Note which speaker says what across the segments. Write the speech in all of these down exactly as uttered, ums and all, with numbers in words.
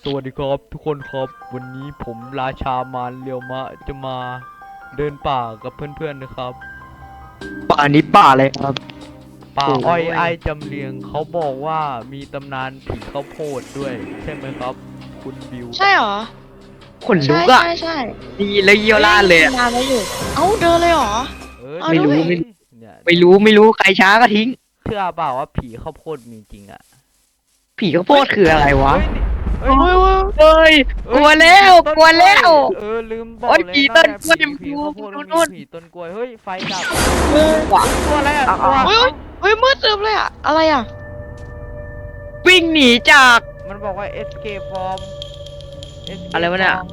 Speaker 1: วัสดีครับทุกคนครับวันนี้ผมราชามารเรียวมะจะมาเดินป่ากับเพื่อนๆนะครับ
Speaker 2: ป่านี้ป่าอะไรครับ
Speaker 1: ป่า
Speaker 2: โอ้
Speaker 1: อ้อย
Speaker 2: ย
Speaker 1: ไอ้จำเรียงเขาบอกว่ามีตำนานผีข้าวโพดด้วยใช่ไหมครับคุณบิว
Speaker 3: ใช่เหรอ
Speaker 2: ขนลุ
Speaker 3: ใช่
Speaker 2: กอะ
Speaker 3: ใช่ใช่
Speaker 2: ดีแล้วเยี่ยวลาดเลยอะ
Speaker 3: นานแล้วอยู่เอ้าเดินเลยเหรอ
Speaker 1: เออ
Speaker 3: เอา
Speaker 2: ไม่รู้
Speaker 3: ด้วย
Speaker 2: ไม่
Speaker 1: เนี่ย
Speaker 2: ไม่รู้ไม่รู้ใครช้าก็ทิ้ง
Speaker 1: เชื่อเปล่าว่าผีข้าวโพดมีจริงอ่ะ
Speaker 2: ผีข้าวโพดคืออะไรวะ
Speaker 1: เฮ้ยนี่เฮ้ย
Speaker 2: เฮ้ยกลัวแล้วกลัวแล้ว
Speaker 1: เออลืมบอก
Speaker 2: โอ๊ย
Speaker 1: เลย
Speaker 2: ผี
Speaker 1: นะ
Speaker 2: ต้นกล้วย
Speaker 1: ผี
Speaker 2: มัน
Speaker 1: ผี
Speaker 2: ดู
Speaker 1: ข้าวโพด
Speaker 2: ดู
Speaker 1: มัน
Speaker 2: นู่
Speaker 1: มี
Speaker 2: น
Speaker 1: ผีต้นกล้วยเฮ้ยไฟดับ
Speaker 3: เฮ้ย
Speaker 2: ว่ะ
Speaker 1: ตัวอะไรอ่ะ
Speaker 2: เอา
Speaker 1: ตัว
Speaker 2: เอา
Speaker 3: เฮ้ยเฮ้ยมืดตึ๊บเลยอะอะไรอะ
Speaker 2: วิ่งหนีจาก
Speaker 1: มันบอกว่า escape from escape
Speaker 2: อะไรวะเนี่ย
Speaker 1: from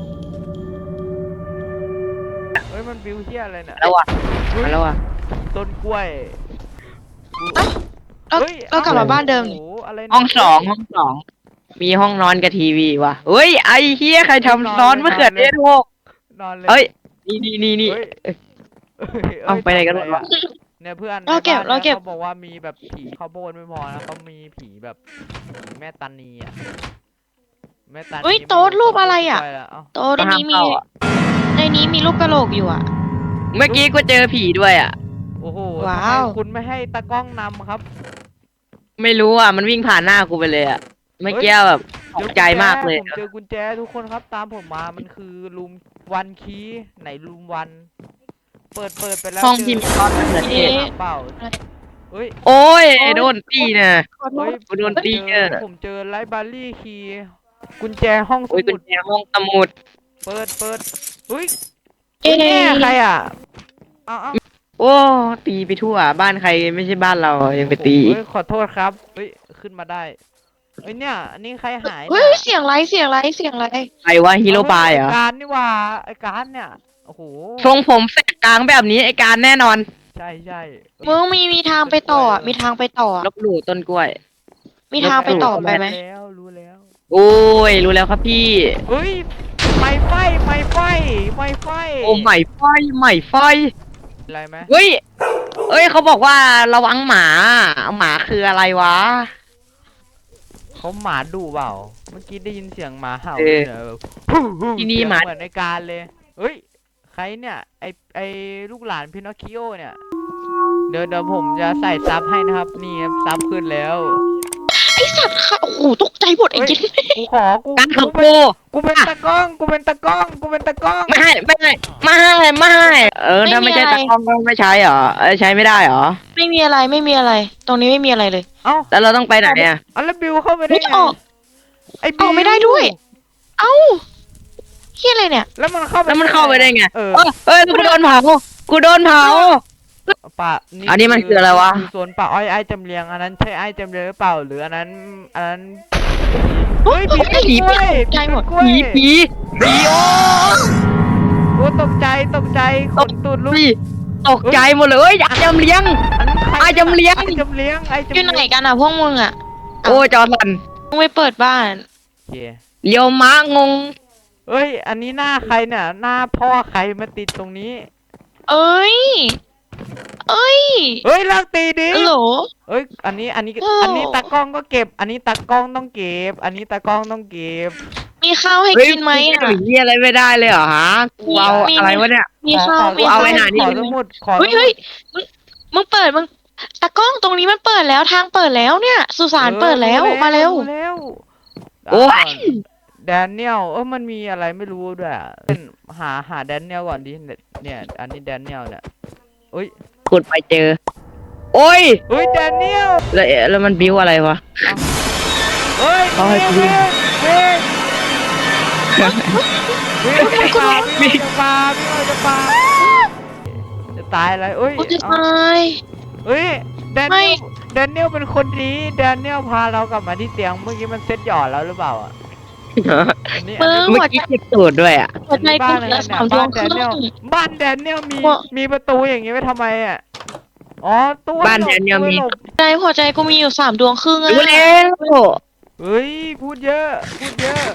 Speaker 1: เฮ้ยมันบิวเฮียอะไรเนี่ย
Speaker 2: แล้ววะ
Speaker 1: เฮ้ย
Speaker 2: แล้ววะ
Speaker 1: ต้นกล้วยกู
Speaker 3: เรา
Speaker 1: เฮ้ย
Speaker 3: เรากลับมาบ้านเดิม
Speaker 1: โอ้
Speaker 3: นี่
Speaker 1: โหอะไรเนี่ย
Speaker 2: ห้องสองห้องสองมีห้องนอนกับทีวีวะเฮ้ยไอ้เฮียใครทำซ้อนมะเขือเทศหก
Speaker 1: นอนเลย
Speaker 2: เอ้ยนี่นี่นี่นี่
Speaker 1: เฮ้ย
Speaker 2: เอ้ย
Speaker 1: เอ้ย
Speaker 2: เอาไปไหนกันหมดวะ
Speaker 1: เนี่ยเพื่อน
Speaker 3: เราเก็บ
Speaker 1: ในบ้น
Speaker 3: เราเก็บ
Speaker 1: นี่ยเขาบอกว่ามีแบบผีข้าวโพดไม่พอนะเขามีผีแบบผีแม่ตานีอ่ะแม่ตานี
Speaker 3: เฮ้ยโต๊ดรูปอะไรอะ
Speaker 1: ต้นกล้วยแล้วเา
Speaker 3: โต๊ะในนี้มี
Speaker 2: ห้ามเข้าอะ
Speaker 3: ในนี้มีรูปกระโหลกอยู่อะ
Speaker 2: เมื่อกี้กูเจอผีด้วยอ่ะ
Speaker 1: โอ้โห
Speaker 3: ว้าว
Speaker 1: ทำไมคุณไม่ให้ตากล้องนำครับ
Speaker 2: ไม่รู้อ่ะมันวิ่งผ่านหน้ากูไปเลยอ่ะเมื่อกี้แบบตกใจมากเลย
Speaker 1: ผมเจอกุญแจทุกคนครับตามผมมามันคือรูมวันคีไหนรูมวันเปิดเปิดไปแล้ว
Speaker 2: ห้อง
Speaker 1: เจ
Speaker 2: ที่มีซ้อนมะเขือเทศ
Speaker 1: เปล่าเฮ้ย
Speaker 2: โอ้ยโดนตีนะ
Speaker 3: ขอโท
Speaker 1: เฮ้
Speaker 3: ษ
Speaker 1: ย
Speaker 2: กูโดนตี
Speaker 1: ผมเจ
Speaker 2: เอ
Speaker 1: อ
Speaker 2: อ
Speaker 1: ผมเจอไลบรารีคีย์กุญแจห้องส
Speaker 2: โอ้ยกุ
Speaker 1: มุ
Speaker 2: ญ
Speaker 1: ด
Speaker 2: แจห้องสมุด
Speaker 1: เปิดเปิดเฮ้ย
Speaker 3: เอ๊ะ
Speaker 1: แม่ใครอ่ะเอาเอา
Speaker 2: โอ้ตีไปทั่วบ้านใครไม่ใช่บ้านเรายังไปตี
Speaker 1: เฮ้ยขอโทษครับเฮ้ยขึ้นมาได้เฮ้ยเนี่ยอันนี้ใครหาย
Speaker 3: เฮ้
Speaker 1: เนี่ย ย
Speaker 3: เสียงไรเสียงไรเสียงไร
Speaker 2: ใครวะฮีโร่ปายเหรอ
Speaker 1: ไอ้การนี่ว่าไอ้การเนี่ยโอ้โห
Speaker 2: ทรงผมแสกกลางแบบนี้ไอการแน่นอน
Speaker 1: ใช่ใช่
Speaker 3: มึงมีมีทางไปต่ออะมีทางไปต่ออะ
Speaker 2: ลบหลู่ต้นกล้วย
Speaker 3: มีทางไปต่อไปไหม
Speaker 1: รู้แล้วรู้แล้ว
Speaker 2: โอ้ยรู้แล้วครับพี่
Speaker 1: เฮ้ยไม่ไฟไม่ไฟไม่ไฟ
Speaker 2: โอ้ใหม่ไฟใหม่ไฟ
Speaker 1: อะไรไหม
Speaker 2: เฮ้ยเอ้ยเขาบอกว่าระวังหมาหมาคืออะไรวะ
Speaker 1: เขาหมาดุเปล่าเมื่อกี้ได้ยินเสียงหมาเห่า
Speaker 2: เออ
Speaker 1: เนี่ยแบบ
Speaker 2: ที่นี่
Speaker 1: เสียง
Speaker 2: หมา
Speaker 1: เหมือนในการเลยเฮ้ยใครเนี่ยไอไอลูกหลานพินอคคิโอเนี่ยเดี๋ยวเดี๋ยวผมจะใส่ซับให้นะครับนี่ครับซับขึ้นแล้ว
Speaker 3: ไอสัตว์ค่ะโอ้โหตกใจหมดไอ้
Speaker 1: เฮ้ย
Speaker 3: เจ๊
Speaker 1: กูขอกู
Speaker 2: การขับ
Speaker 1: กู
Speaker 2: โก
Speaker 1: เป็นกูเป็นตากล้องกูเป็นตากล้องกูเป็นตากล้อง
Speaker 2: ไม่ให้ไม่ให้ไม่ให้ไม่ให้เออถ้าไม่ใช่ตากล้องก็ไม่ใช้เหรอเออใช้ไม่ได้เหรอ
Speaker 3: ไม่มีอะไรไม่มีอะไร ตรงนี้ไม่มีอะไรเลย
Speaker 1: เอ้า
Speaker 2: แล้วเราต้องไปไหนอ่ะ
Speaker 1: เอาแล้วบิวเข้าไปได้
Speaker 3: ไม่
Speaker 1: ไง
Speaker 3: ออก
Speaker 1: ไอ้
Speaker 3: ออกไม่ได้ด้วย เอ้าเฮียอะไรเนี่ย
Speaker 1: แล้วมันเข้าไป
Speaker 2: แล้วมันเข้าไปได้ไง
Speaker 1: เออ
Speaker 2: เออเอ้ยกูโดนเผากูโดนเผา
Speaker 1: ป่า
Speaker 2: อันนี้มันคืออะไรวะ
Speaker 1: คืสวนป่าอ้อยไอ้จำเรียงอันนั้นใช่ไอ้จำเรียงหรือเปล่าหรืออันนั้นอันนั้น เฮ้ยผีต้นกล้วย
Speaker 3: ใจหมด
Speaker 1: ผีต้นกล้วย
Speaker 2: ผีผีผีโอ้
Speaker 1: โอ้ตกใจตกใจขนตูดลุก
Speaker 2: พี่ตกใจหมดเลยเอ้ยอยากจำเลี้ยง
Speaker 1: อันนั้นใคร
Speaker 2: ไอ้จำเลี้ยง
Speaker 1: ไอ้จำเลี้ยงไอ้จำ
Speaker 3: อ
Speaker 1: เลี้
Speaker 3: ยู่
Speaker 1: ยง
Speaker 3: ไหนกันอ่ะพวกมึงอ่ะ
Speaker 2: โอ้ยจอสัน
Speaker 3: มึงไปเปิดบ้าน
Speaker 1: โอเค
Speaker 2: เลี้ยวม้างง
Speaker 1: เฮ้ยอันนี้หน้าใครเนี่ยหน้าพ่อใครมาติดตรงนี้
Speaker 3: เอ้ย เอ้ย
Speaker 1: เฮ้ยเลิกตีดิ
Speaker 3: ฮัลโหล
Speaker 1: เอ้ยอันนี้อันนี้
Speaker 3: โอ้
Speaker 1: อันนี้ตากล้องก็เก็บ อันนี้ตากล้องต้องเก็บ อันนี้ตากล้องต้องเก็บ
Speaker 3: มีข้าวให้
Speaker 2: เฮ้ย
Speaker 3: กินไหม
Speaker 2: กู
Speaker 3: อ่ะ
Speaker 2: จะเหี้ยอะไรไม่ได้เลยเหรอฮะกูเอา
Speaker 3: มี
Speaker 2: อะไรวะเนี่ย
Speaker 3: มี
Speaker 1: ขอ
Speaker 3: ข้าว
Speaker 1: ขอ
Speaker 3: มี
Speaker 2: เอา
Speaker 3: ข้าว
Speaker 2: ไว้หานี่
Speaker 1: ขอสมุดขอ
Speaker 3: เฮ้ยเฮ้ยมึงมึงเปิดมึงตะกล้องตรงนี้มันเปิดแล้วทางเปิดแล้วเนี่ย สุสานเปิดแล้วมาเร็ว
Speaker 1: รู้แล้ว
Speaker 2: โอ้ย
Speaker 1: แดเนียลเออมันมีอะไรไม่รู้ด้วยอะเป็นหาหาแดเนียลก่อนดิเนี่ยอันนี้แดเนียลเนี่ยเฮ้ย
Speaker 2: ขุดไปเจอ โอ้ย
Speaker 1: เฮ้ยแดเนียล
Speaker 2: แล้วแล้วมันบิ้วอะไรวะ
Speaker 1: เฮ้ย
Speaker 2: เขาให้กู
Speaker 1: เว้ยเว้ยเว้ยเว้ยจะปาพี่จะปาพี่จะปาจะตายอะไรเอ้ย
Speaker 3: กูจะ
Speaker 1: เอา
Speaker 3: ตาย
Speaker 1: เฮ้ยแด
Speaker 3: ไม่
Speaker 1: เนียลแดเนียลเป็นคนดีแดเนียลพาเรากลับมาที่เตียงเมื่อกี้มันเซ็ตหยอดแล้วหรือเปล่าอ่ะอันนี้อันนี้
Speaker 2: เมื่อกี้เจ็บตูดด้วยอ่ะ
Speaker 3: หัวใจกูเหลือสามดวงครึ่ง
Speaker 1: บ้านแดเนียลมี
Speaker 3: ว่า
Speaker 1: มีประตูอย่างงี้ไว้ทำไมอ่ะอ๋อตู้
Speaker 2: บ้านแดเนียลมี
Speaker 1: ตู้หบ
Speaker 3: ใจหัวใจกูมีอยู่สามดวงครึ่งอะ
Speaker 2: รู้แล้ว
Speaker 1: เฮ้ยพูดเยอะพูดเยอะ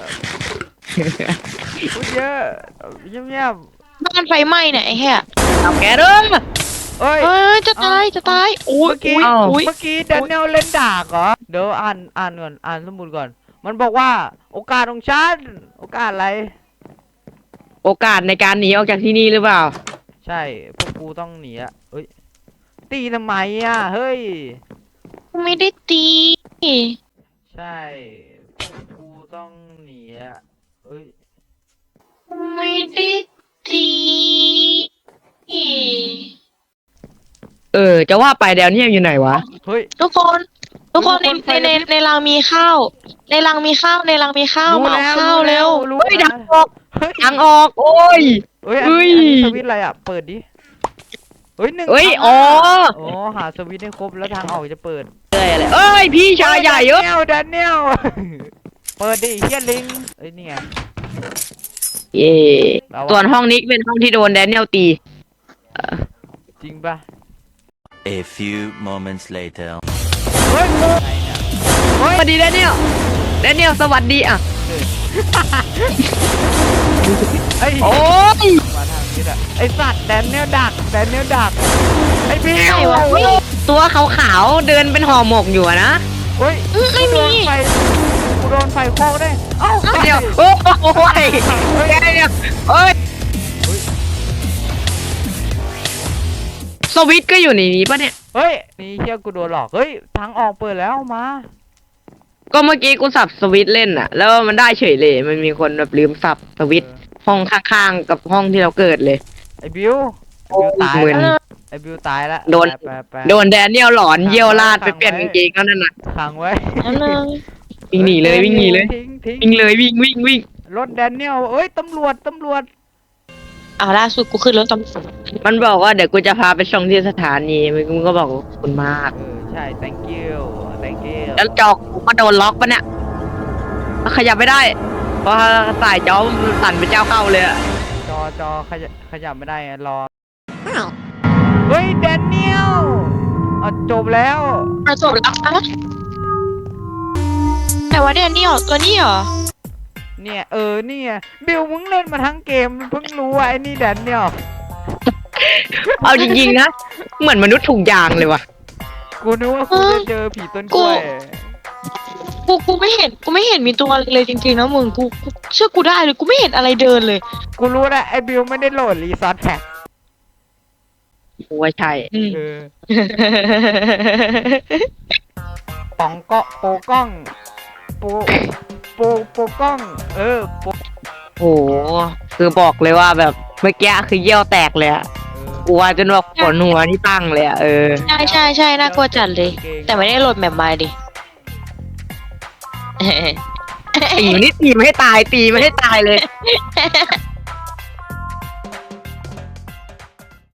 Speaker 1: พูดเยอะเงียบ
Speaker 3: บ้านไฟไหม้เนี่ยไอ้แห่
Speaker 2: เอาแกเด้อ
Speaker 1: ๆเอ้ย
Speaker 3: เอ้ยจะตายจะตายโอ้ย
Speaker 1: เมื่อกี้
Speaker 3: อุ้ย
Speaker 2: เอ้า
Speaker 3: อุ้ย
Speaker 1: เมื่อกี้แดเนียลเล่นดากเหรอเดี๋ยวอ่านอ่านก่อนอ่านสมุดก่อนมันบอกว่า โอกาสของฉัน โอกาสอะไร
Speaker 2: โอกาสในการหนีออกจากที่นี่หรือเปล่า
Speaker 1: ใช่ พวกกูต้องหนีอะเอ้ย ตีทำไมอะเฮ้ย
Speaker 3: ไม่ได้ตี
Speaker 1: ใช่ พวกกูต้องหนีอะเอ้ย
Speaker 3: ไม่ได้ตี
Speaker 2: เออ จะว่าไปแดเนียลอยู่ไหนวะ
Speaker 1: เฮ้ย
Speaker 3: ทุกคน ทุกคนใน
Speaker 1: ทุกคน
Speaker 3: ในในในรังมีข้าว ในรังมีข้าว ในรังมีข้าว
Speaker 1: รู้
Speaker 3: มาเอา
Speaker 1: แล้ว
Speaker 3: ข้าวเร็ว
Speaker 1: รู้
Speaker 2: เฮ้ย
Speaker 1: แล้
Speaker 2: ทาว งออก
Speaker 1: เฮ้ย
Speaker 2: ทางออก โอ้ย
Speaker 1: เฮ้ย อัน
Speaker 2: เฮ้
Speaker 1: นี้
Speaker 2: ย
Speaker 1: อันนี้สวิตช์อะไรอ่ะ เปิดดิ เฮ้ยหนึ่ง
Speaker 2: เฮ้ย
Speaker 1: ทาง
Speaker 2: อ๋อ
Speaker 1: อ๋อ หาสวิตช์ให้ครบแล้วทางออกจะเปิด
Speaker 2: เอ้ยอะไรเอ้ย พี่ชายใหญ่เยอะ
Speaker 1: แดเนียลแดเนียล เปิดดิเฮียลิงเอ้ยนี่ไง
Speaker 2: เย่
Speaker 1: เราอะ
Speaker 2: ส่วนห้องนี้เป็นห้องที่โดนแดเนียลตี
Speaker 1: จริงปะ
Speaker 4: A few moments later.
Speaker 1: เฮ้ยไงเนี่ย
Speaker 2: สวัสดีแดเนียลแดเนียลสวัสดีอ่ะ
Speaker 1: ไอ้ย
Speaker 2: โอ้ย
Speaker 1: มาทางนี้อ่ะไอสัตว์แดเนียลดักแดเนียลดัก ไอพี่
Speaker 3: ไหนวะ
Speaker 2: เฮ้ยตัวขาวๆเดินเป็นห่อหมกอยู่อะนะ
Speaker 1: เฮ้ย
Speaker 3: อืมไม่มี
Speaker 1: กูโดนไฟกูโดนไฟโคกได้เอ้า
Speaker 2: เดี๋ยวโอ้ยแดเนียลเอ้ยสวิตช์ก็อยู่ในนี้ปะเนี่ย
Speaker 1: เฮ้ยนี่เฮียกูโดนหลอกเฮ้ยทางออกเปิดแล้วมา
Speaker 2: ก็เมื่อกี้กูสับสวิตช์เล่นอะแล้วมันได้เฉยเลย มันมีคนแบบลืมสับสวิตช์ห้องข้างๆกับห้องที่เราเกิดเลย
Speaker 1: ไอบิวไอบิวตาย
Speaker 2: มึน
Speaker 1: แล้วไอบิวตายแล้ว
Speaker 2: โดน
Speaker 1: ไปไปไป
Speaker 2: โดนแดเนียลหลอนเยี่ยวลาดไปเปลี่ยนกางเกงเขานั่นน่ะ
Speaker 1: ขังไว้
Speaker 3: อันนึง
Speaker 2: วิ่งหนีเลยวิ่งหนีเลย
Speaker 1: ทิ้งทิ้ง
Speaker 2: วิ่งเลยวิ่งวิ่งวิ่ง
Speaker 1: รถแดเนียลเอ้ยตำรวจตำรวจ
Speaker 3: เอาล่าสุดกูขึ้นรถตำรวจ
Speaker 2: มันบอกว่าเดี๋ยวกูจะพาไปส่งที่สถานีมึงก็บอกว่าขอบคุณมาก
Speaker 1: เออใช่ thank you thank you
Speaker 2: แล้วจอกกูก็โดนล็อกปะเนี่ยขยับไม่ได้ เพราะสายจอมันสั่นเป็นเจ้าเข้าเลยอะ
Speaker 1: จอจอขยับขยับไม่ได้ไงรอเฮ้ยแดเนียลอ่ะจบแล้ว
Speaker 3: เอาจบแล้วอะแต่ว่าเนี่ยนี่หรอตัวนี้เหรอ
Speaker 1: เนี่ยเออเนี่ยบิวมึงเล่นมาทั้งเกมเพิ่งรู้ว่าไอ้นี่แดเนียล
Speaker 2: เอาจริงๆนะ เหมือนมนุษย์ถูกยางเลยว่ะ
Speaker 1: กูนึกว่ากูจะเจอผีต้นกล้วย
Speaker 3: กูกูไม่เห็นกูไม่เห็นมีตัวอะไรเลยจริงๆนะมึงกูกูเชื่อกูได้เลยกูไม่เห็นอะไรเดินเลย
Speaker 1: กูรู้แล้วไอ้บิวไม่ได้โหลดรีซอสแพ็ค
Speaker 2: กูว่าใช่
Speaker 3: อืม
Speaker 1: เออป๋องเกาะโปกล้องโปโปโปกล้อง เออโป
Speaker 2: โอ้โหคือบอกเลยว่าแบบเมื่อกี้คือเยี่ยวแตกเลยอะ
Speaker 1: เออ
Speaker 2: กลัวจนแบบขนหัวนี่ตั้งเลยอะเออ
Speaker 3: ใช่ใช่ใช่น่ากลัวจัดเลย แต่ไม่ได้โหลดแบบมาดิ
Speaker 2: ตีมันนี่ตีไม่ให้ตายตีไม่ให้ตายเลย